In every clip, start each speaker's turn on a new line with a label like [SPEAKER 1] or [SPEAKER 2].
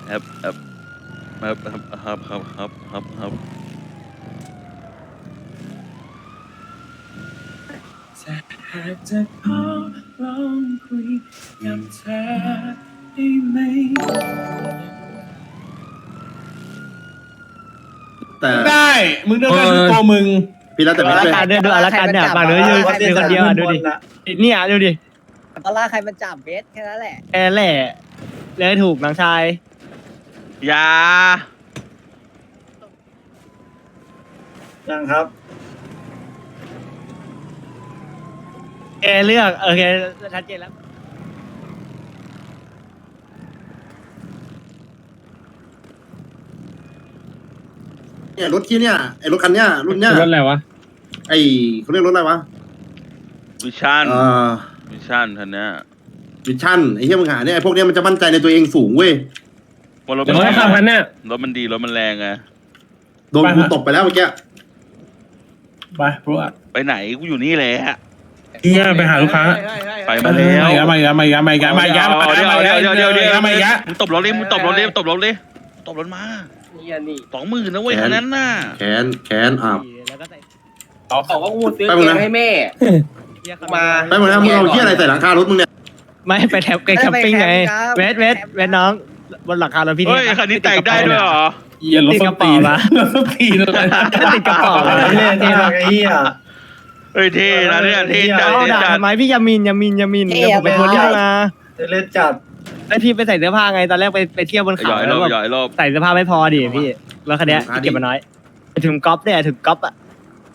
[SPEAKER 1] ครับครับครับ
[SPEAKER 2] หากจะขอลองคุยกับเธอได้ไหม
[SPEAKER 3] แต่
[SPEAKER 4] ได้มึงเดินได้ทุกตัวมึง
[SPEAKER 3] พี่แล้วแต่
[SPEAKER 5] ดู
[SPEAKER 3] ไม่
[SPEAKER 5] อา
[SPEAKER 3] ช่วย
[SPEAKER 5] การด้วยดูอาการเนี่ยฝั่งนู้นยืนคนเดียวดูดิเนี่ยดูดิ
[SPEAKER 6] ตอนแรกใครมันจับเบสแค่นั้นแหละ
[SPEAKER 5] แกแหละเลยถูกน้องชาย
[SPEAKER 1] ยา
[SPEAKER 2] ยังครับ
[SPEAKER 5] แกเลือกโอเคชัดเจนแล้ว
[SPEAKER 3] เนี่ยรถที่เนี่ยไอ้รถคันเนี้ยรุ่นเนี้ย
[SPEAKER 4] รถอะไรวะ
[SPEAKER 3] ไอ้เขาเรียกรถอะไรวะ
[SPEAKER 1] วิชั่น
[SPEAKER 3] เอ่อ
[SPEAKER 1] วิชั่นท่านเนี้ย
[SPEAKER 3] วิชั่นไอ้เหี้ยมึงหาเนี่ยไอ้พวกเนี้ยมันจะมั่นใจในตัวเองสูงเว้ย
[SPEAKER 1] ว่ารถ
[SPEAKER 4] เดี๋ยวให้ขับกันเนี่ย
[SPEAKER 1] รถมันดีรถมันแรงไง
[SPEAKER 3] โดนกูตบไปแล้วเมื่อกี้
[SPEAKER 4] ไปพวก
[SPEAKER 1] ไปไหนกูอยู่นี่แหละ
[SPEAKER 4] เฮียไปหาลูกค้า
[SPEAKER 1] ไปมาแล้ว
[SPEAKER 4] มาอีกแล้วมาอีกแล้วมาอีกแล้วมาอีกแล้วมาอีกแล้วมาอีกแล้วมาอีกแล้วมาอีกแล้ว
[SPEAKER 1] มึงตบรถดิมึงตบรถดิตบรถดิตบรถมา
[SPEAKER 6] นี่
[SPEAKER 1] 20,000นะเว้ยคันนั้นน่ะ
[SPEAKER 3] แขนอ่ะ
[SPEAKER 5] แล้วก็ใส่
[SPEAKER 6] เขาก็พูดซื้อ
[SPEAKER 3] ไปหมด
[SPEAKER 6] เก
[SPEAKER 3] นะ
[SPEAKER 6] มให้แม่
[SPEAKER 5] มา
[SPEAKER 3] ไปหมดแล้วมึงเอาเหี้ยอะไรใส่หลังคารถมึงเนี่ย
[SPEAKER 5] ไม่ไปแคมปิ้งไงเวทน้องบนหลังคาเราพี่
[SPEAKER 1] เฮ้ยคันนี้แต่งได้ด้วยเหรอ
[SPEAKER 4] เฮียรถสปีดรถสปีดอะไร
[SPEAKER 5] ติดกระเป๋า
[SPEAKER 2] เท่มากไอ้เหี้ย
[SPEAKER 1] เฮ้ยเท่นะเนี่ยเท่จัด
[SPEAKER 5] เอา
[SPEAKER 1] เท่
[SPEAKER 5] ด่า
[SPEAKER 1] จัด
[SPEAKER 5] ทำไมพี่ยามินเดี๋ยวผมไปโพสต์ที่มา
[SPEAKER 2] เล่นจัด
[SPEAKER 5] ไอพี่ไปใส่เสื้อผ้าไงตอนแรกไปเที่ยวบน
[SPEAKER 1] ห
[SPEAKER 5] เขา
[SPEAKER 1] ย่อยร
[SPEAKER 5] แล้
[SPEAKER 1] อ
[SPEAKER 5] ว
[SPEAKER 1] บ
[SPEAKER 5] แบบ
[SPEAKER 1] หย่อยรอบ
[SPEAKER 5] ใส่เสื้อผ้าไม่พอดิพี่แล้วคันเนี้ยที่เก็บมาน้อยถึงก๊อปเนี่ยถึงก๊อปอ่ะ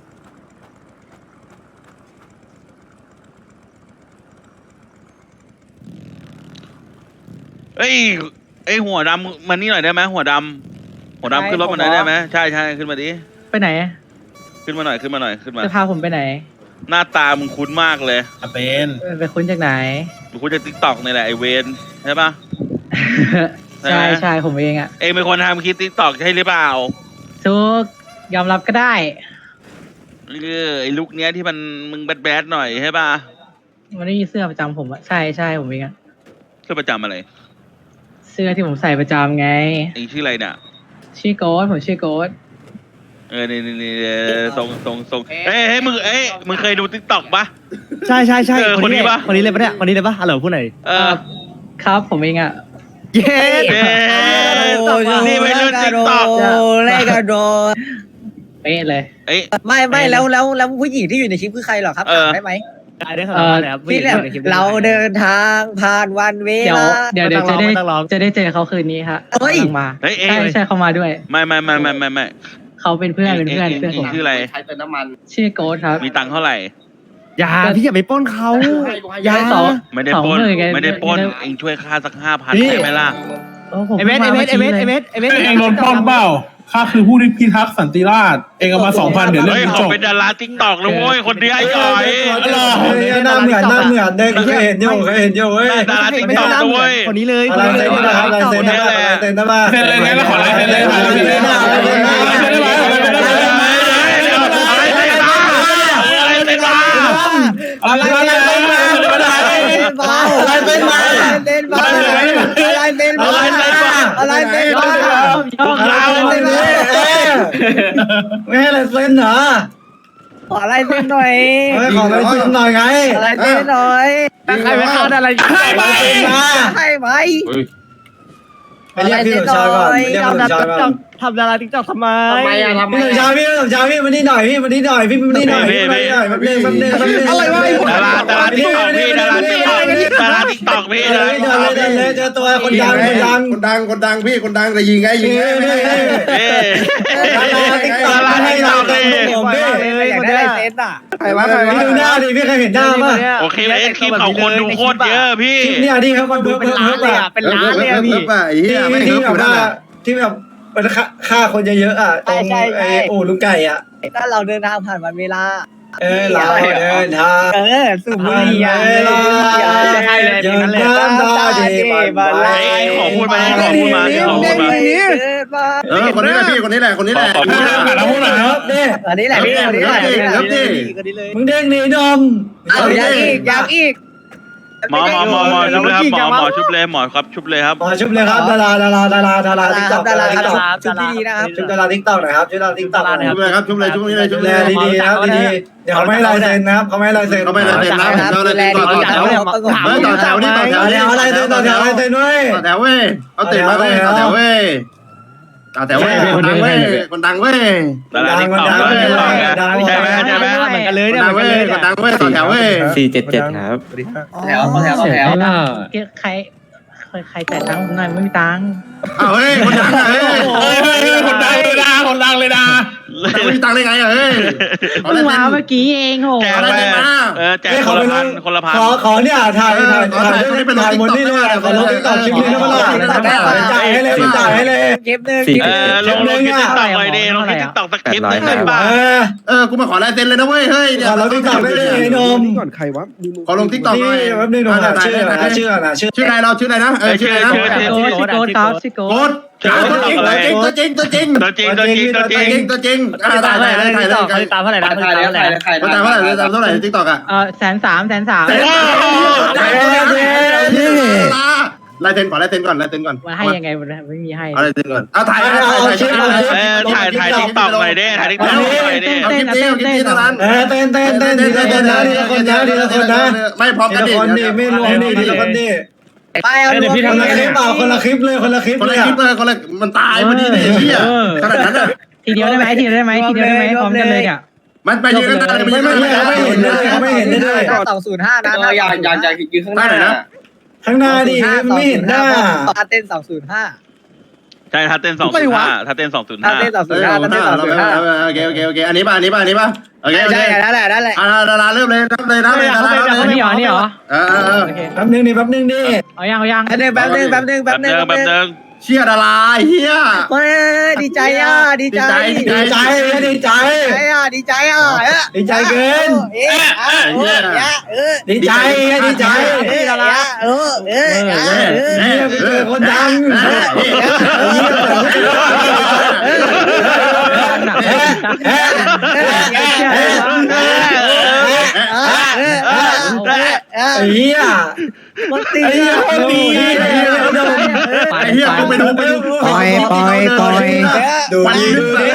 [SPEAKER 1] เอ้ยไอหัวดำมันนี่หน่อยได้ไหมหัวดำขึ้นรถมาหน่อยได้ไหมใช่ขึ้นมาดิ
[SPEAKER 7] ไปไหน
[SPEAKER 1] ขึ้นมาหน่อยขึ้นมา
[SPEAKER 7] จะพาผมไปไหน
[SPEAKER 1] หน้าตามึงคุ้นมากเลย
[SPEAKER 4] เป็น
[SPEAKER 7] ไปคุ้นจากไหน
[SPEAKER 1] มึงคุ้นจากทิกตอกนี่แหละไอเวนใช่ปะ ใช่ไหม
[SPEAKER 7] ใช่ผมเองอ่ะ
[SPEAKER 1] เองเป็นคนทำคลิปทิกตอกใช่หรือเปล่า
[SPEAKER 7] ทุกยอมรับก็ได้
[SPEAKER 1] ไอ้ลุคเนี้ยที่มันมึงแบดๆหน่อยใช่ปะ
[SPEAKER 7] มันไม่มีเสื้อประจำผมอ่ะใช่ผมเองอ่ะ
[SPEAKER 1] เสื้อประจำอะไร
[SPEAKER 7] เสื้อที่ผมใส่ประจำไง
[SPEAKER 1] เองชื่ออะไรเนี่ย
[SPEAKER 7] ชื่อโกดผมชื่อโกด
[SPEAKER 1] นี่ทรงเฮ้ยมึงเคยดูทิกตอกปะ
[SPEAKER 5] ใช่
[SPEAKER 1] คนนี้ปะ
[SPEAKER 5] คนนี้เลยปะเนี่ยคนนี้เลยปะฮัลโหลพูดหน่อย
[SPEAKER 7] ครับผมเองอ่ะ
[SPEAKER 5] เย้
[SPEAKER 1] นี่ไม่เล่นทิกตอก
[SPEAKER 6] เล่นกระโดด
[SPEAKER 7] เป๊ะเลย
[SPEAKER 1] เอ้ย
[SPEAKER 6] ไม่แล้วผู้หญิงที่อยู่ในคลิปคือใครเหรอครับ
[SPEAKER 1] เออ
[SPEAKER 6] ถามได้ไหม
[SPEAKER 5] ได้ขนาดนั้นเลยครับ
[SPEAKER 6] ที่แบบเราเดินทางผ่านวันเว
[SPEAKER 7] เดี๋ยว
[SPEAKER 6] ลา
[SPEAKER 7] เดี๋ยวจะได้เจอเขาคืนนี้ฮะ
[SPEAKER 6] เฮ้ย
[SPEAKER 7] กำลังมา
[SPEAKER 1] เฮ้ยเอง
[SPEAKER 7] ใช่เขามาด้วย
[SPEAKER 1] ไม่
[SPEAKER 7] เขาเป็นเพื่อนผม
[SPEAKER 1] ชื่ออะไร
[SPEAKER 7] ชื่อโกดครับ
[SPEAKER 1] มีตังค์เท่าไหร่
[SPEAKER 5] อย่าพี่อย่าไปปล้นเขาอย่า
[SPEAKER 7] สอง
[SPEAKER 1] ไม่ได้ปล้น
[SPEAKER 7] 20,000ไง
[SPEAKER 1] ไม่ได้ปล้น
[SPEAKER 7] ไม่ได้
[SPEAKER 1] เองช่วยค่าสัก 5,000
[SPEAKER 5] พี่
[SPEAKER 1] ได้ไหมล่ะ
[SPEAKER 7] โอ้ผม
[SPEAKER 5] ไอเวส
[SPEAKER 4] เองโดนปล้นเปล่าข้าคือผู้ที่พิทักษ์สันติราษฎร์เองเอามา 2,000 เดี๋ยวเรื่อ
[SPEAKER 1] เฮ้ย
[SPEAKER 4] ง
[SPEAKER 1] เขา
[SPEAKER 4] จบ
[SPEAKER 1] เป็นดาราทิกตอกนะเว้ยคนเดียวไอ้ก่อย
[SPEAKER 2] หน้าเหมือนเด็กเคยเห็นอยู่เว้ย
[SPEAKER 1] ดาราทิกตอกนะเว้ย
[SPEAKER 5] คนนี้เลย
[SPEAKER 2] อะไรเซ็นนะครับอะไรเซ็นนะครับอะไรเซ็นนะมา
[SPEAKER 4] เซ็นเลยงั้นเราขอลายเซ็นเลยขอลายเซ็นเลยอะไร
[SPEAKER 6] อะไรเป็นมา
[SPEAKER 1] พวกเรา
[SPEAKER 2] ไม่ให้อะไรเซ็นเหรอ
[SPEAKER 6] ขออะไรเป็นหน่อย
[SPEAKER 2] ขออะไรเซ็นหน่อยไง
[SPEAKER 6] อะไรเป็นหน่อย
[SPEAKER 5] ใครไปฆ่าอะไร
[SPEAKER 6] ให้ไหม
[SPEAKER 2] ไปเรียกพี่สมชายก่อนเรียกพี่สมชายก่อน
[SPEAKER 5] ทำดาราติ๊กต็อกทำไม
[SPEAKER 2] พี่สมชายพี่มานี่หน่อยพี่มานี่หน่อยพี่มานี่หน่อยพี่มานี่หน่อยแป๊บนึงอะไรวะ
[SPEAKER 1] ดาราทิกตอกพี่ดาราทิกตอกพี่
[SPEAKER 2] เลยเจอตัวคนดัง
[SPEAKER 3] พี่คนดังแต่ยิงไง
[SPEAKER 1] ดาราทิกตอกพี่
[SPEAKER 6] อยากได้เซ็นอ่ะ
[SPEAKER 3] ใครวะ
[SPEAKER 2] พี่ดูหน้าดิพี่เคยเห็นหน้าป่ะ
[SPEAKER 1] โอเคเอ็นคลิปเขาคนดูโคตรเยอะพี่
[SPEAKER 2] เนี่ยที่เขาคนดู
[SPEAKER 5] เป็นล้านเลยอ่ะเป็นล้านเลยอ่ะพี่
[SPEAKER 3] ไอ้เหี้ยไม่
[SPEAKER 2] ที่
[SPEAKER 3] เฮิร์บ
[SPEAKER 2] แบบ
[SPEAKER 3] นั่น
[SPEAKER 2] ว่า
[SPEAKER 3] แหละ
[SPEAKER 2] ที่แบบมันฆ่าคนเยอะๆอ่ะตรงไอ้อู่ลุงไก่อ่ะ
[SPEAKER 6] ถ้าเราเดินทางผ่านวันเวลา
[SPEAKER 2] เราเดินทาง
[SPEAKER 6] สูบบุหรี่อ่ะ
[SPEAKER 5] ใช่เลย
[SPEAKER 2] เดิน
[SPEAKER 5] เลย
[SPEAKER 2] น้ำตาดีมาไล่
[SPEAKER 1] ขอพูดมา
[SPEAKER 3] คนนี้แหละพี่คนนี้แหละ
[SPEAKER 1] ขอพูด
[SPEAKER 4] เราพูดหน่อยครับ
[SPEAKER 2] เนี่ย
[SPEAKER 6] อันนี้แหละ
[SPEAKER 2] มึงเด้งหนีนม
[SPEAKER 6] เอายังอีก
[SPEAKER 1] หมอชุบเลยครับหมอชุบเลยหมอครับชุบเลยครับ
[SPEAKER 8] ชุบเลยครับดาราติ๊กต็อก
[SPEAKER 6] ดาราชุดที่ดีนะครับ
[SPEAKER 8] ชุบดาราติ๊กต็อกหน่อยครับชุบดาราติ๊กต็อก
[SPEAKER 3] ชุบเลยครับชุบเลยชุบเลยชุบ
[SPEAKER 8] ดู
[SPEAKER 3] เล
[SPEAKER 8] แล
[SPEAKER 3] ย
[SPEAKER 8] ดีๆครับดีๆเดี๋ยวเขาไม่ลายเซ็นนะครับเขาไม่ลายเซ็น
[SPEAKER 3] เขาไม่ลายเซ็นนะผมเอาเลยต่อแถวต่อแถวนี่ต่อแถวนี่
[SPEAKER 8] เอาลายเซ็นต่อแถวลายเซ็นด้วย
[SPEAKER 3] ต่อแถวเว้ยเอาเตะมาเว้ยต่อแถวเว้ยต่อแถวเว้ยคนดังเว้ยคนดังเว้ย
[SPEAKER 1] ดาราติ๊กต็อกใช่ไหมใช่ไหม
[SPEAKER 5] เหมือนกันเลย
[SPEAKER 3] คน
[SPEAKER 5] เนี่ย
[SPEAKER 3] ดัง
[SPEAKER 5] เหมือน
[SPEAKER 3] เว้
[SPEAKER 5] กันเลย
[SPEAKER 3] ยคนดังเว้ยต่อแถวเว้ย
[SPEAKER 9] 477ครับ
[SPEAKER 6] แถวล่ะ
[SPEAKER 7] ใครจ่ายตังค์ผมหน่อยไม่มีตังค์
[SPEAKER 3] อ้าวเฮ้ยคนดังอ่ะเฮ้ย
[SPEAKER 4] คนดังเลยนะคนดังเลยนะ
[SPEAKER 3] ไม่มีตังค์ได้ไงอ่ะเฮ้ย
[SPEAKER 7] เพิ่งมาเมื่อกี้เองโห
[SPEAKER 1] แจกไปแจกคนละพันคนละพัน
[SPEAKER 8] ขอเนี่ยถ่ายหมดนี่เลยขอลงติ๊กต็อกคลิปนี้นะมันจ่ายให้เลยจ่ายให้เลย
[SPEAKER 6] เก็บหนึ่ง
[SPEAKER 1] ลงติ๊กต็อกเลยดิลงติ๊กต็อกสักคลิปนึงได้ป่ะ
[SPEAKER 3] กูมาขอลายเซ็นเลยนะเว้ยเฮ้ยเนี่ย
[SPEAKER 8] ขอลงติ๊กต็อกได้เลยไอ้นม
[SPEAKER 9] ก่อนใครวะ
[SPEAKER 3] ขอลงติ๊กต็อกหน่อย
[SPEAKER 8] นี่แป๊บนึงหน่อยชื่อ
[SPEAKER 3] อะไรเราชื่ออะไรนะชื่ออะไรนะ
[SPEAKER 7] ชิโก้ครับชิโก้
[SPEAKER 3] โค้ดตัวจริงตัวจริง
[SPEAKER 1] ตัวจริง
[SPEAKER 3] ถ่าย
[SPEAKER 5] ตามเท่าไหร่นะ
[SPEAKER 3] เท่าไหร่ติ๊กต็อกอ่ะ
[SPEAKER 7] 130,000
[SPEAKER 3] ลายเซ็นก่อนลายเซ็นก่อน
[SPEAKER 7] มันให้ยังไงมันไม่มีให้
[SPEAKER 3] เอาลายเซ็นก่อนเอาถ่าย
[SPEAKER 1] ถ่ายติ๊กต็อกหน่อยดิถ่ายติ๊กต็อกหน่อยดิ
[SPEAKER 3] เอาคลิปนี้ตอนนั้น
[SPEAKER 8] เต้นทีละคนนะทีละคนนะ
[SPEAKER 3] ไม่พร้อม
[SPEAKER 8] ที
[SPEAKER 3] กัน
[SPEAKER 8] ละ
[SPEAKER 3] ดิ
[SPEAKER 8] คนดิไม่รวมดิทีละคนดิ
[SPEAKER 6] ไปเอาดู
[SPEAKER 8] พี่ทำอะไรเปล่าคนละคลิปเลยคนละคลิป
[SPEAKER 3] คน
[SPEAKER 8] เล
[SPEAKER 3] ละ
[SPEAKER 8] ย
[SPEAKER 3] คลิปเลยคนละมันตายพอดีเลยเหี้ยขนาดนั้นอ่ะ
[SPEAKER 7] ทีเดียวได้ไหมพร้อมกันเลยอ่ะ
[SPEAKER 3] มันไปยืนกันได้ไม่เห็นเลย
[SPEAKER 8] ไม่เห็นเลย
[SPEAKER 6] 205นะอยากยืนข้างหน้า
[SPEAKER 8] ข้างหน้าดิไม่เห็นหน้า
[SPEAKER 6] เต้น205
[SPEAKER 1] ใช่ถ้าเต้น205ถ้าเต้น
[SPEAKER 6] ถ้า
[SPEAKER 1] 205
[SPEAKER 6] เต้น205ถ้าเต้น205
[SPEAKER 3] โอเคอันนี้ป่ะโอเค
[SPEAKER 6] ได้นั่นแหละ
[SPEAKER 3] ดาราเริ่มเลยนับเลยนะ
[SPEAKER 7] นี่เหรอ
[SPEAKER 8] แป๊บนึงดิ
[SPEAKER 7] เอายัง
[SPEAKER 6] แป๊บนึง
[SPEAKER 3] เชียดาราเฮีย
[SPEAKER 6] ดีใจดีใจเกิน
[SPEAKER 8] ดีใจ
[SPEAKER 6] ดารา
[SPEAKER 8] คนดัง เฮีย
[SPEAKER 6] มันตี
[SPEAKER 3] ไอ้เฮียกูไปดูวันนี้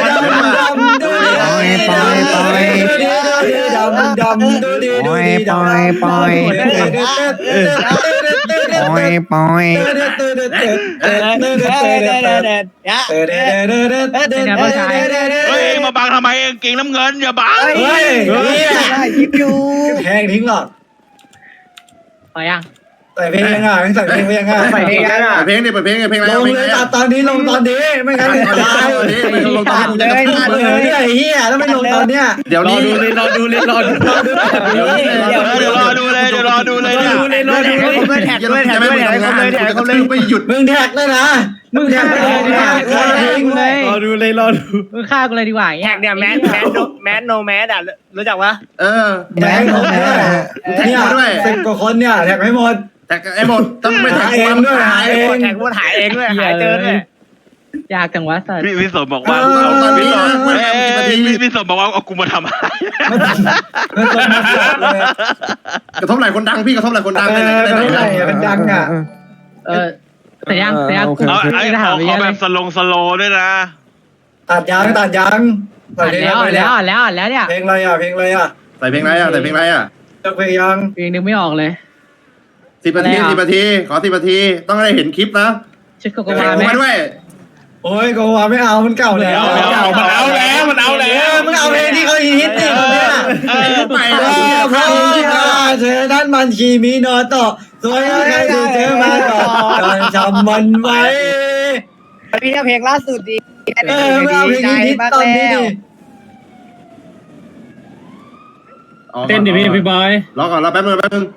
[SPEAKER 3] เฮ้ยมาบังทำไมเองเก่งน้ำเงินอย่าบัง
[SPEAKER 6] ยิบอยู่
[SPEAKER 8] แพงทิ้งหรอ
[SPEAKER 7] เอายัง
[SPEAKER 8] ใส่เพลงยังไงใส่เพลงยังไง
[SPEAKER 3] เพลงอะไร
[SPEAKER 8] ลงเลยตอนนี้ไม่งั้นตายเลยไอ้เหี้ยแล้วไม่ลงตอนเนี้ย
[SPEAKER 3] เดี๋ยวนี้
[SPEAKER 1] รอดูเลยไม่หยุด
[SPEAKER 8] มึงแท็กเลยนะมึงแท็กเลยนะ
[SPEAKER 5] รอดู
[SPEAKER 7] มึงฆ่ากูเลยดีกว่า
[SPEAKER 5] แท็กเนี่ยแมสโนแมสอ่ะรู้จักปะ
[SPEAKER 8] แบงค์ของเนี่ย10 กว่าคนเนี่ยแท็กให้หมด
[SPEAKER 3] แต่ไอ้หมดต้องไม่ถ่ายเองด้วย
[SPEAKER 5] แท็กหายเองด้วยหายเจอด้วย
[SPEAKER 7] ยากจังวะสัตว์
[SPEAKER 1] พี่สมบอกว่าพี่สมบอกว่าเอากูมาทำอะไร
[SPEAKER 3] กระทบไหลคนดังพี่กระทบไหลคนดัง
[SPEAKER 8] เป็นดังอ่ะ
[SPEAKER 7] แต่ยัง
[SPEAKER 1] เอาแบบสโลด้วยนะ
[SPEAKER 8] ตัดยาง
[SPEAKER 7] แล้วเนี่ย
[SPEAKER 8] เพลงอะไรอ่ะ
[SPEAKER 3] ใส่เพลงอะไรอ่ะ
[SPEAKER 8] เพลงยัง
[SPEAKER 7] เพลงนึงไม่ออกเลย
[SPEAKER 3] 10 นาทีขอ10 นาทีต้องได้เห็นคลิปนะ
[SPEAKER 7] ชุดโกโก
[SPEAKER 3] เพล
[SPEAKER 7] วาง ไหม
[SPEAKER 3] มาด้วย
[SPEAKER 8] โอ้ยโกวาไม่เอามันเก่าแล้วมันเอาเพลงที่เขาฮิตนี่เนี่ย
[SPEAKER 3] ไป
[SPEAKER 8] เพราะเธอท่านมันคีมีโนโตะสวยใครดูเธอมาก่อนจำมันไว้
[SPEAKER 6] พี่เพลงล่าสุดดี
[SPEAKER 8] ไม่เอาเพลงฮิตตอนนี้ดิ
[SPEAKER 3] เต้นดิพี่บอยรอก่อนรอแป๊บนึง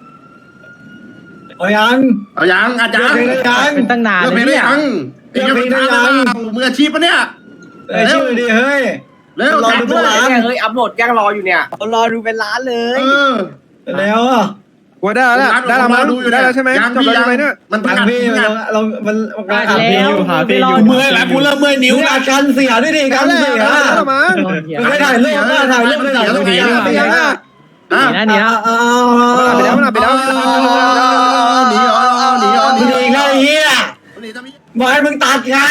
[SPEAKER 8] เอายัง
[SPEAKER 3] อาจารย์
[SPEAKER 7] เป็นตั้งนาน
[SPEAKER 3] เพลงได้ยังมืออาชีพปะเนี่ย
[SPEAKER 8] ชื่อดิเฮ้ย
[SPEAKER 3] เร็ว
[SPEAKER 6] รอดูเป็นล้านเฮ้ยอัพโหลดยังรออยู่เนี่ยรอดูเป็นล้านเลย
[SPEAKER 8] แล้วอ่ะ
[SPEAKER 9] ว่าได้แล้วมั้งได้แล้วใช่ไหมจบแล้วใช่ไหมเนี่ย
[SPEAKER 3] มันประ
[SPEAKER 8] ทาง
[SPEAKER 3] กาศ
[SPEAKER 8] พี่มัน
[SPEAKER 7] แล้ว
[SPEAKER 4] เมื่อยแล้วกูเริ่มเมื่อยนิ้ว
[SPEAKER 8] อาการเสียด้วยดิการเสีย
[SPEAKER 9] ได้มั้ง
[SPEAKER 8] ไม่ถ่ายรูปไม่ถ่ายรูปไม่ถ่ายรูป
[SPEAKER 7] นี่นะ
[SPEAKER 9] ไปแล้วขับไปแล้ว
[SPEAKER 3] หนีอ๋อหนีอ๋อหนี
[SPEAKER 8] มึงอีกแล้วไอ้เหี้ย
[SPEAKER 3] หนีทำไม
[SPEAKER 8] บอกให้มึงตัดไง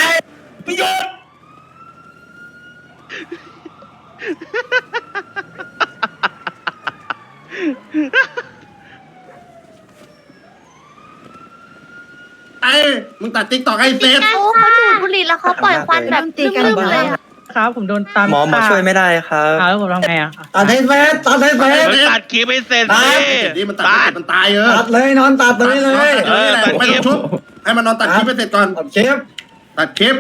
[SPEAKER 3] ไอ้มึงตัดติ๊กตอกให้เสร็จ
[SPEAKER 10] โอ้เขาดูดบุหรี่แล้วเขาปล่อยควันแบบลืมๆเลยอะ
[SPEAKER 7] ครับผมโดนตาม
[SPEAKER 8] หมอช่วยไม่ได้ครับ
[SPEAKER 7] แล้วผมทำไงอ่ะ
[SPEAKER 8] ตัดให้เสร็จตัดให้เสร็จ
[SPEAKER 1] มึงตัดคลิปให้เสร็จสิ
[SPEAKER 3] นี่มันตัดมันตายเออ
[SPEAKER 8] ตัดเลยนอนตัดเลยเลย
[SPEAKER 3] ไม่ต้องชุบให้มันนอนตัดคลิปไปเสร็จก่อน
[SPEAKER 8] ตัดเชฟ
[SPEAKER 3] ตัดคลิป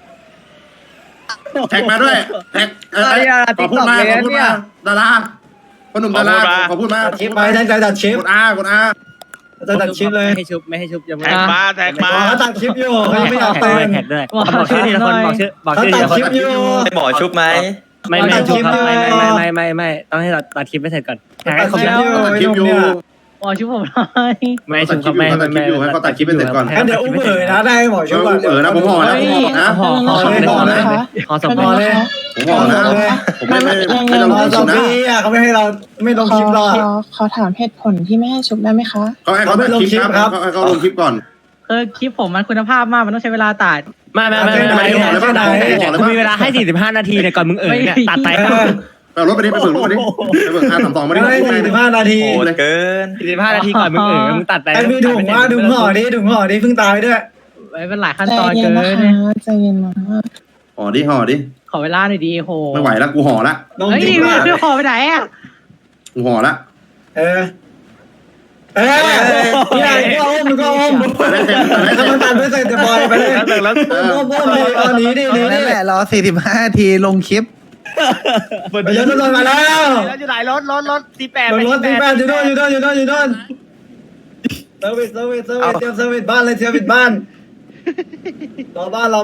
[SPEAKER 3] แท็กมาด้วยแท็กขอพูดมาดาราคนหนุ่มดาราขอพูดมา
[SPEAKER 8] ตัดเชฟไปตั้งใจตัดเชฟ
[SPEAKER 3] กดอา
[SPEAKER 8] จะตัดเชฟเลย
[SPEAKER 5] ไม่ให้ชุบไม่ให้ชุบยังไม่
[SPEAKER 1] แท็กมาแท็กมา
[SPEAKER 8] เขาตัดคลิปอยู่เขายังไม่อยาก
[SPEAKER 5] แท็
[SPEAKER 8] เต้น
[SPEAKER 5] แท็กด้วยบอกชื่อทีละคนบอกชื่อทีละคน
[SPEAKER 8] หมอชุบไหม
[SPEAKER 5] ไม่ชุบครับไม่ต้องให้เราตัดคลิปให้เสร็จก่อนแท็กให้ครบ
[SPEAKER 3] ตัดคลิปอยู่
[SPEAKER 7] หมอช่วยผมหน่อย
[SPEAKER 5] ไม่ชุบครับไม่
[SPEAKER 3] ตัดคลิปอยู่ให้เขาตัดคลิปไปเสร็จก่อน
[SPEAKER 8] เดี๋ยวอุ้มเอ๋ยนะได้หมอชุบก่อน
[SPEAKER 3] นะผมห่อนะผมห่อนะ
[SPEAKER 5] ห่อสม
[SPEAKER 8] หม
[SPEAKER 5] บู
[SPEAKER 8] อ
[SPEAKER 5] รณ์
[SPEAKER 8] เลย
[SPEAKER 3] ผมห่อนะผมไม่ต้อง
[SPEAKER 8] หมอ
[SPEAKER 3] ชุ
[SPEAKER 8] สอบ ง
[SPEAKER 3] นะ
[SPEAKER 8] ปีเขาไม่ให้เราไม่ลงคลิปหรอก
[SPEAKER 10] ขอถามเหตุผลที่ไม่ให้ชุบได้ไหมคะ
[SPEAKER 3] เขาให้เขาตัดคลิปครับให้เขาลงคลิปก่อน
[SPEAKER 7] คลิปผมมันคุณภาพมากมันต้องใช้เวลาตัด
[SPEAKER 5] ไม่กูมีเวลาให้45 นาทีเนี่ยก่อนมึงเนี่ยตัดไป
[SPEAKER 3] ไปรถไปดิไปฝึกรถไปดิไปฝึก532มาดิ
[SPEAKER 8] ไม่ได้45 นาที
[SPEAKER 3] เกิน
[SPEAKER 5] 45 นาทีก่อนมึงตัดไป
[SPEAKER 8] ไอ้มีถุงว่าถุงห่อดิเพิ่งตายด้วย
[SPEAKER 7] เป็นหลายขั้นตอนเกินเนี่ย
[SPEAKER 10] ใจเย็นนะ
[SPEAKER 3] ห่อดิ
[SPEAKER 7] ขอเวลาหน่อยดีโห
[SPEAKER 3] ไม่ไหวแล้วกูห่อละ
[SPEAKER 8] ลง
[SPEAKER 7] เฮ้ย
[SPEAKER 8] คลิปว่า
[SPEAKER 7] ขอไปไหนอ่ะ
[SPEAKER 3] กูห่อละ
[SPEAKER 8] พี่นายก็อ้อมมึงก็อ้อมถ้ามันตัดไม่เสร็จจะปล่อยไปเลยอ้อมเลยตอนนี้ดินี่
[SPEAKER 6] นั่นแหละรอ45 นาทีลงคลิป
[SPEAKER 8] ไปยนต์รถมาแล้ว
[SPEAKER 5] อยู่ไหนรถ48
[SPEAKER 8] รถ48อยู่โน่นเซอร์วิสเตรียมเซอร์วิสบ้านเลยเซอร์วิสบ้านรอบ้าน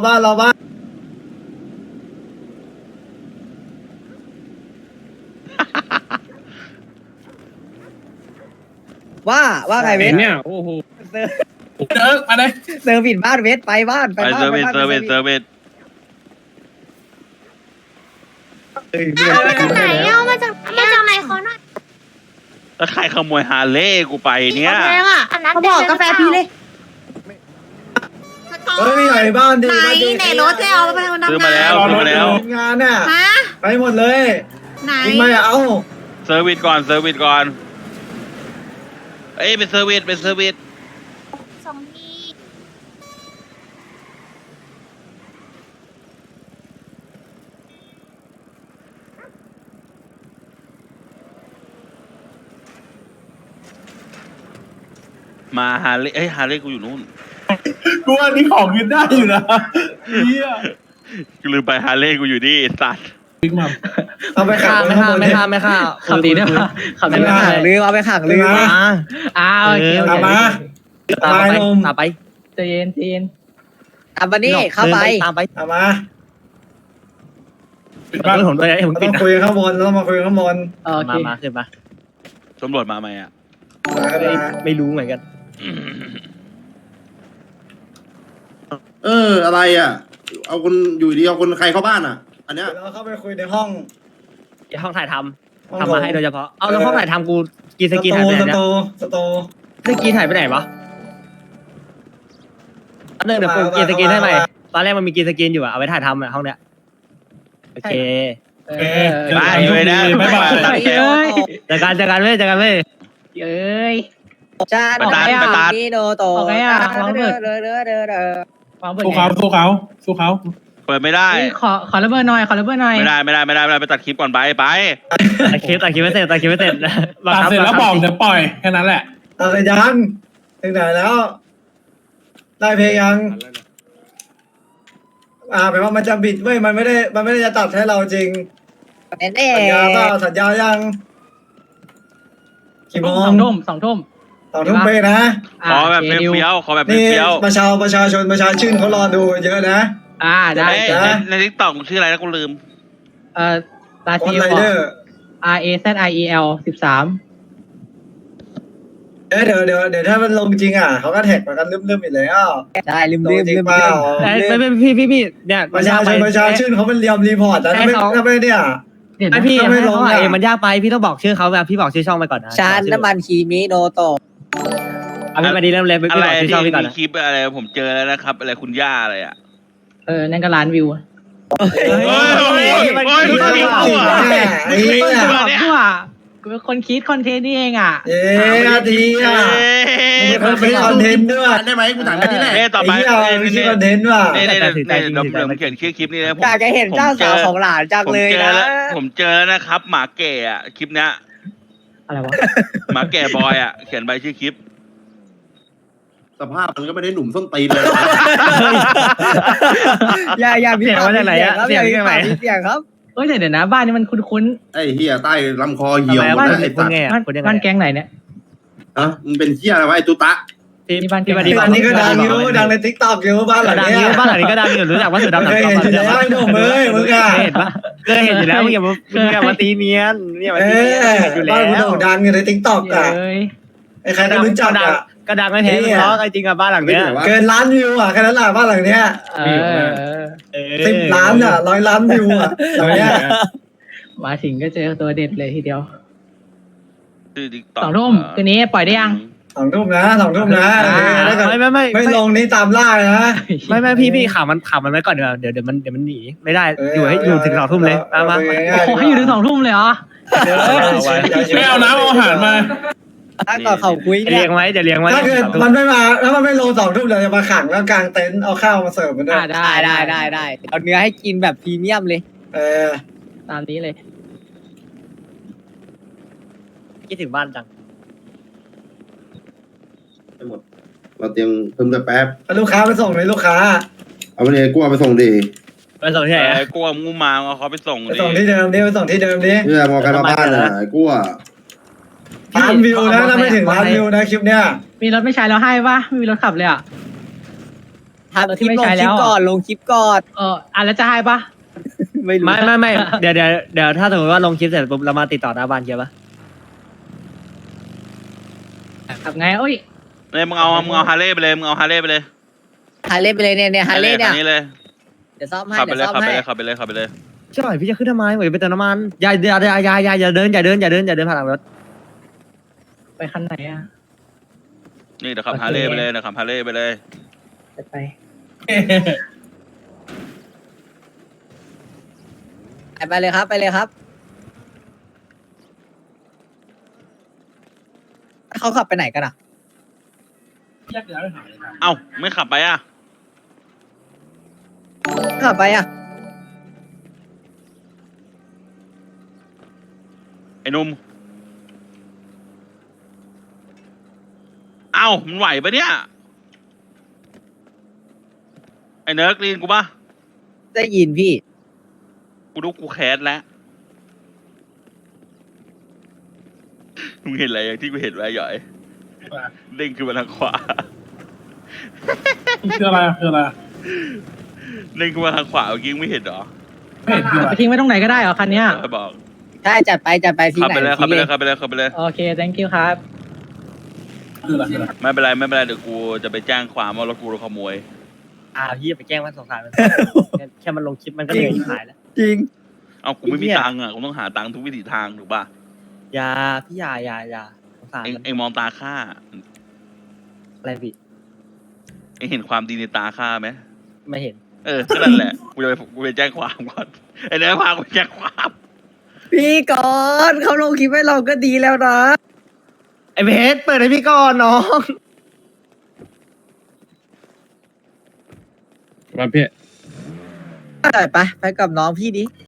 [SPEAKER 6] ว่าไงเวท
[SPEAKER 4] เนี่ยโอ้โหเดินมาเลย
[SPEAKER 6] เซอร์วิสบ้านเวทไปบ้าน
[SPEAKER 1] ไปเซอร์วิส
[SPEAKER 10] มาจากไหนเอามาจากไหนขอหน่อย
[SPEAKER 1] แล้วใครขโมยฮาร์เลย์กูไปเนี่ย
[SPEAKER 10] อันนั้นบอกกาแฟพี่เลย
[SPEAKER 8] เฮ้ยมีไหนบ้านดิ
[SPEAKER 10] ไหนรถจะเอาไปทำ
[SPEAKER 1] ซื้อมาแล้ว
[SPEAKER 8] งานน่ะ
[SPEAKER 10] ฮะ
[SPEAKER 8] ไปหมดเลย
[SPEAKER 10] ไหน
[SPEAKER 8] ไม่เอา
[SPEAKER 1] เซอร์วิสก่อนเอ้ยเป็นเซอร์วิส
[SPEAKER 10] สองที
[SPEAKER 1] มาฮาร์เลย์ฮาร์เลย์กูอยู่นู่น
[SPEAKER 4] กูว่านี่ของยืนได้อยู่นะเฮีย
[SPEAKER 1] กูลืมไปฮาร์เลย์กูอยู่นี่สัตว์
[SPEAKER 4] บิ๊กมัม
[SPEAKER 8] เอาไปขับ
[SPEAKER 5] ไม่ฆ่า
[SPEAKER 7] ขับดีด้วยขับดี
[SPEAKER 6] เอาไปขังลืมเอาไปขังลืม
[SPEAKER 7] โอเค
[SPEAKER 8] เอามา
[SPEAKER 5] ตามไป
[SPEAKER 7] ใจเย็น
[SPEAKER 6] อันวันนี้เข้าไป
[SPEAKER 5] ตามไป
[SPEAKER 8] เอามา
[SPEAKER 5] บ้านผมด้วยให้ผม
[SPEAKER 8] ต้
[SPEAKER 5] ปิ
[SPEAKER 8] อ
[SPEAKER 5] ด
[SPEAKER 8] งคุยข้างบนต้องมาคุยข้างบน
[SPEAKER 7] โอเค
[SPEAKER 5] มาขึ้นมา
[SPEAKER 1] ตำรวจมาไหมอ่ะ
[SPEAKER 5] ไม่รู้เหมือนกัน
[SPEAKER 3] อะไรอ่ะเอาคนอยู่ดีเอาคนใครเข้าบ้านอ่ะอันเนี้ย
[SPEAKER 8] เราเข้าไปคุยในห้อง
[SPEAKER 5] ห้องถ่ายทำทำมาให้โดยเฉพาะเอาแล้วห้องถ่ายทำกูกีสกีถ่ายไปไหนเนี่ย
[SPEAKER 8] สตู
[SPEAKER 5] สกีถ่ายไปไหนวะเดี๋ยวกูกีสกีให้ใหม่ตอนแรกมันมีกีสกีอยู่อะเอาไว้ถ่ายทำอะห้องเนี้ยโอเค
[SPEAKER 1] ไปเลยนะ
[SPEAKER 4] บ๊ายบาย
[SPEAKER 5] เจอกันเว้ย
[SPEAKER 7] เอ้ย
[SPEAKER 6] จานนี่โนโตวางเบิด
[SPEAKER 4] สู้เขา
[SPEAKER 1] เปิดไม่ได้
[SPEAKER 7] ขอระเบิดหน่อย
[SPEAKER 1] ไม่ได้ไปตัดคลิปก่อนไป
[SPEAKER 5] ตัดคลิปไม่เสร็จ
[SPEAKER 4] ตัดเสร็จแล้วบอกเดี๋ยวปล่อยแค่นั้นแหละ
[SPEAKER 8] ตัดเลยยังถึงไหนแล้ว ได้เพลงยังแปลว่ามันจะบิดเว้ยมันไม่ได้จะตัดให้เราจริง
[SPEAKER 6] แน่
[SPEAKER 8] สัญญาเปล่าสัญญายังกี่โมง
[SPEAKER 7] 2 ทุ่ม
[SPEAKER 8] 2 ทุ่มเป๊ะนะ
[SPEAKER 1] ขอแบบเฟี้ยวขอแบบ
[SPEAKER 8] นี่
[SPEAKER 1] เฟี้ยว
[SPEAKER 8] ประชาชนเขารอดูเยอะนะ
[SPEAKER 7] ได้
[SPEAKER 1] ในทิกตอกชื่ออะไรนะกูลืม
[SPEAKER 7] ลา
[SPEAKER 8] ค
[SPEAKER 7] ซิ
[SPEAKER 8] น
[SPEAKER 7] ล
[SPEAKER 8] ไรเดอร์
[SPEAKER 7] RAZIEL 13
[SPEAKER 8] เดี๋ยวถ้ามันลงจริงเขาก็แท็กมากันลืมอีกแล้ว
[SPEAKER 6] ได้ลืม
[SPEAKER 8] จริงเปล่า
[SPEAKER 5] ไม่พี่เนี่ย
[SPEAKER 8] ประชาชนเขาเป็นเรียมรีพอร์ตแล้วถ้าไม่เนี่ย
[SPEAKER 7] เดี๋ยว
[SPEAKER 5] ไอ
[SPEAKER 7] นะ
[SPEAKER 5] พี่
[SPEAKER 8] ถ้าไม่ลง
[SPEAKER 5] เขา
[SPEAKER 8] อะ
[SPEAKER 5] เองมันยากไปพี่ต้องบอกชื่อเขาแบบพี่บอกชื่อช่องไปก่อนนะ
[SPEAKER 6] ชานน้ำมันคีมิโนโตะ
[SPEAKER 5] เอาพี่มาดีเริ่มเลยพี่
[SPEAKER 1] อะไร
[SPEAKER 5] บอกชื่อ
[SPEAKER 1] ที่
[SPEAKER 5] ช่องพี่ก่อน
[SPEAKER 1] มี
[SPEAKER 5] นะ
[SPEAKER 1] คลิปอะไรผมเจอแล้วนะครับ อะไรคุณย่าอะไรอ่ะ
[SPEAKER 7] นั่นก็ร้านวิวอะ
[SPEAKER 1] โอ้ยโอ้ยโอ้ยคุณคิดเอาอ่ะ
[SPEAKER 8] ไอ้เหี้ย
[SPEAKER 7] บอกกูอ่ะกูเป็นคนคิดคอนเทนต์นี่เองอ่ะ
[SPEAKER 8] เอ๊ะอาทีอ่ะมึงเป็นคนเป็นคอนเทนต์ด้วย
[SPEAKER 3] ได้ไหมกูถามแค่นี้แหละ
[SPEAKER 1] เน่ต่อไป
[SPEAKER 8] ไอ้เหี้ยมึงคิดคอนเทนต์ว่ะ
[SPEAKER 1] เน่เน่เน่เน่เดี๋ยวผมเขียนชื่อคลิปนี้นะผม
[SPEAKER 6] อยากจะเห็นเจ้าสาวของหลานจัง
[SPEAKER 1] ผม
[SPEAKER 6] เลย
[SPEAKER 1] เจอ
[SPEAKER 6] นะ
[SPEAKER 1] แล้วผมเจอแล้วนะครับ หมาแก่อ่ะคลิปเนี้ย
[SPEAKER 7] อะไรวะ
[SPEAKER 1] หมาแก่บอยอ่ะเขียนใบชื่อคลิป
[SPEAKER 3] สภาพมันก็ไม่ได้หนุ่มส้นตีนเลย
[SPEAKER 6] อย่ามี
[SPEAKER 5] เสียงมาจากไหนอะ
[SPEAKER 6] ครับ
[SPEAKER 5] เสียง
[SPEAKER 6] มี
[SPEAKER 5] จากไหน
[SPEAKER 6] เสียงครับ
[SPEAKER 7] เอ้ยเดี๋ยวนะบ้านนี้มันคุ้น
[SPEAKER 3] ไอ้เหี้ยใต้ลำคอเหี่ยวหมด
[SPEAKER 5] บ้าน
[SPEAKER 3] แล้วไอ้
[SPEAKER 5] คุ
[SPEAKER 3] สั
[SPEAKER 5] ณ
[SPEAKER 3] ตว์
[SPEAKER 5] ไง
[SPEAKER 7] ๆ
[SPEAKER 5] อะ
[SPEAKER 7] บ้าน
[SPEAKER 5] คุณยังไง
[SPEAKER 7] บ้านแก๊งไหนเนี่ย
[SPEAKER 3] อ่ะมึงเป็นเหี้ยอะไรวะไอ้ตุตะ
[SPEAKER 7] นี่บ้านแก๊ง
[SPEAKER 5] พี่
[SPEAKER 7] ไหน
[SPEAKER 5] มาดี
[SPEAKER 8] ตอนนี้ก็ดังอยู่ดังในทิกตอกอยู่บ้านหลัง
[SPEAKER 5] ดัง
[SPEAKER 8] เนี้
[SPEAKER 5] อยู่
[SPEAKER 8] ย
[SPEAKER 5] บ้านหลังนี้ก็ดังอยู่รู้จักว่าเสือดำหนัง
[SPEAKER 8] เคย
[SPEAKER 5] กรอบ
[SPEAKER 8] เห็นอยู่แล้วไอ้หนุ่มเอ้ยมึงอะ
[SPEAKER 5] เคยเห็นปะเคยเห็นอยู่แล้วมึงอย่ามาตีเนียนเนี่ยมา
[SPEAKER 8] เอ
[SPEAKER 5] ตีเนียน
[SPEAKER 8] อ
[SPEAKER 5] เห็นอยู่แล้
[SPEAKER 8] บ้านกูโด่
[SPEAKER 5] ว
[SPEAKER 8] งดังอยู่ในทิกตอกอะ
[SPEAKER 7] เอ้ย
[SPEAKER 8] ไอ้ใครก็รู้จักอะ
[SPEAKER 5] ก็ดังไม่แพ้เพราะจริงอะบ้านหลัง
[SPEAKER 3] ไม่
[SPEAKER 5] เนี้ย
[SPEAKER 3] ใช่วะ
[SPEAKER 8] เกินล้านวิวอะแค่นั้นแหละบ้านหลังเนี้ย
[SPEAKER 7] เออ
[SPEAKER 8] 10 ล้านอะ100 ล้านวิวอะหลังเนี้ย
[SPEAKER 7] มาถึงก็เจอตัวเด็ดเลยทีเดียว
[SPEAKER 1] ชื่อ TikTok
[SPEAKER 7] 2 ทุ่มคืนนี้ปล่อยได้ยัง
[SPEAKER 8] 2 ทุ่มนะ2 ทุ่มนะถ้าเกิด
[SPEAKER 5] ไม่
[SPEAKER 8] ไม่ลงนี่ตามล่าเลยนะ
[SPEAKER 5] ไม่พี่ข่าวมันไว้ก่อนเดี๋ยวมันหนีไม่ได้อยู่ถึง2 ทุ่มเลยมา
[SPEAKER 7] โอ้ให้อยู่ถึง2 ทุ่มเลยเหรอ
[SPEAKER 4] ไม่เอาน้ำเอาอาหารมา
[SPEAKER 6] ถ้าก่อนเขาคุย
[SPEAKER 5] เลี้
[SPEAKER 6] เนี่ย ย
[SPEAKER 5] งไว้จะเลี้ยงไว้
[SPEAKER 8] ถ้าเกิดมันไม่มาแล้วมันไม่ลง2 ทุ่มเดี๋ยวจะมาขังแล้วกางเต็นท์เอาข้าวมาเสิร์ฟมันด้วย
[SPEAKER 6] ได้เอาเนื้อให้กินแบบพรีเมียมเลย
[SPEAKER 8] เออ
[SPEAKER 7] ตามนี้เลย
[SPEAKER 5] คิดถึงบ้านจัง
[SPEAKER 3] หมดเราเตรียมเพิ่มแต่แป๊บ
[SPEAKER 8] เอาลูกค้าไปส่งเลยลูกค้า
[SPEAKER 3] เอาไปเลยกูเอาไปส่งดี
[SPEAKER 5] ไปส่งที่ไหน
[SPEAKER 1] ไอ้กลัวงูมาเอาเขาไปส่ง
[SPEAKER 8] ไปส่งที่เดิมดิไปส่งที่เดิมดิ
[SPEAKER 3] เพื่อมองใครมาบ้านน่ะไอ้กูอ่ะ
[SPEAKER 8] ล้านวิวนะถ้าไม่ถึงล้านวิวนะคลิปเนี้ย
[SPEAKER 7] มีรถไม่ใช้แล้วให้ปะไม่มีรถขับเลยอ่ะ
[SPEAKER 6] ทำคลิปลงคลิปก่อนลงคลิปก่อน
[SPEAKER 7] แล้วจะให้ปะ
[SPEAKER 6] ไม่รู้
[SPEAKER 5] ไม่เดี๋ยวถ้าสมมติว่าลงคลิปเสร็จปุ๊บเรามาติดต่อหน้าบ้านเกียร์ปะ
[SPEAKER 7] ขับไงเอ้ย
[SPEAKER 1] เลยมึงเอาฮาร์เลย์ไปเลยมึงเอาฮาร์เลย์ไปเลย
[SPEAKER 6] ฮาเล่ไปเลยเนี่ยฮาเล่เนี่ย
[SPEAKER 1] คันนี้เลย
[SPEAKER 6] เดี๋ยวซ่อมให้
[SPEAKER 1] ขับไป
[SPEAKER 6] เดี๋ยว
[SPEAKER 1] เลย
[SPEAKER 6] ซ่อม
[SPEAKER 1] ขับไป
[SPEAKER 6] ให้
[SPEAKER 1] เลยขับไปเลยขับไปเลย
[SPEAKER 5] ใช่พี่จะขึ้นทำไมเหมือนไปเติมน้ำมันอย่าเดินผ่านหลังรถ
[SPEAKER 7] ไปคันไหนอ่ะ
[SPEAKER 1] นี่เดี๋ยวขับฮาร์เลย์ไปเลยนะขับฮาร์เลย์ไปเลย
[SPEAKER 7] ไป
[SPEAKER 6] ไปเลยครับไปเลยครับเขาขับไปไหนกันอ่ะ
[SPEAKER 1] เอ้าไม่ขับไปอ่ะ
[SPEAKER 6] ขับไปอ่ะ
[SPEAKER 1] ไอ้หนุ่มเอ้ามันไหวปะเนี่ยไอ้เนิร์กลีนกูปะ
[SPEAKER 6] ได้ยินพี่
[SPEAKER 1] กูดูกูแคสแล้วมึงเห็นอะไรที่กูเห็นไว้หย่อยเด้งขึ้นมาทางขวา
[SPEAKER 4] คืออะไรคืออะไร
[SPEAKER 1] เด้งขึ้นมาทางขวาเมื่อกี้ไม่เห็นเหรอ
[SPEAKER 4] ไม่เห็นคืออะไร
[SPEAKER 7] ไปทิ้งไว้ตรงไหนก็ได้เหรอคันเนี้ย
[SPEAKER 1] บอก
[SPEAKER 6] ใช่จัดไปที
[SPEAKER 1] ขับ
[SPEAKER 6] ไหน
[SPEAKER 1] ไปเลยขับ
[SPEAKER 6] ที
[SPEAKER 1] ไป
[SPEAKER 6] เล
[SPEAKER 1] เลย ยขับไปเลยขับไปเลย
[SPEAKER 7] โอเค thank you ครับ
[SPEAKER 4] คืออะไรคืออะไร
[SPEAKER 1] ไม่เป็นไรไม่เป็นไรเดี๋ยวกูจะไปแจ้งความว่ารถกูโดนขโมย
[SPEAKER 5] พี่ไปแจ้งว่าสงสารมันแค่มันลงคลิปมันก็เหนื่อยขายแล้ว
[SPEAKER 6] จริง
[SPEAKER 1] เอากูไม่มีตังค์อ่ะกูต้องหาตังค์ทุกวิถีทางถูกป่ะ
[SPEAKER 5] อย่าพี่อย่าสงสาร
[SPEAKER 1] เอ็ง
[SPEAKER 5] มัน
[SPEAKER 1] เอ็งมองตาข้า
[SPEAKER 5] อะไรพี่
[SPEAKER 1] เอ็งเห็นความดีในตาข้าไหม
[SPEAKER 5] ไม่เห็น
[SPEAKER 1] ก็นั่นแหละกูไปแจ้งความก่อนไอ้เนื้อพากูไปแจ้งความ
[SPEAKER 6] พี่ก่อนเขาลงคลิปให้เราก็ดีแล้วนะ
[SPEAKER 5] ไอเพชรเปิดให้พี่ก่อนน้อง
[SPEAKER 4] มาพี่
[SPEAKER 6] ไปกับน้องพี่ดิ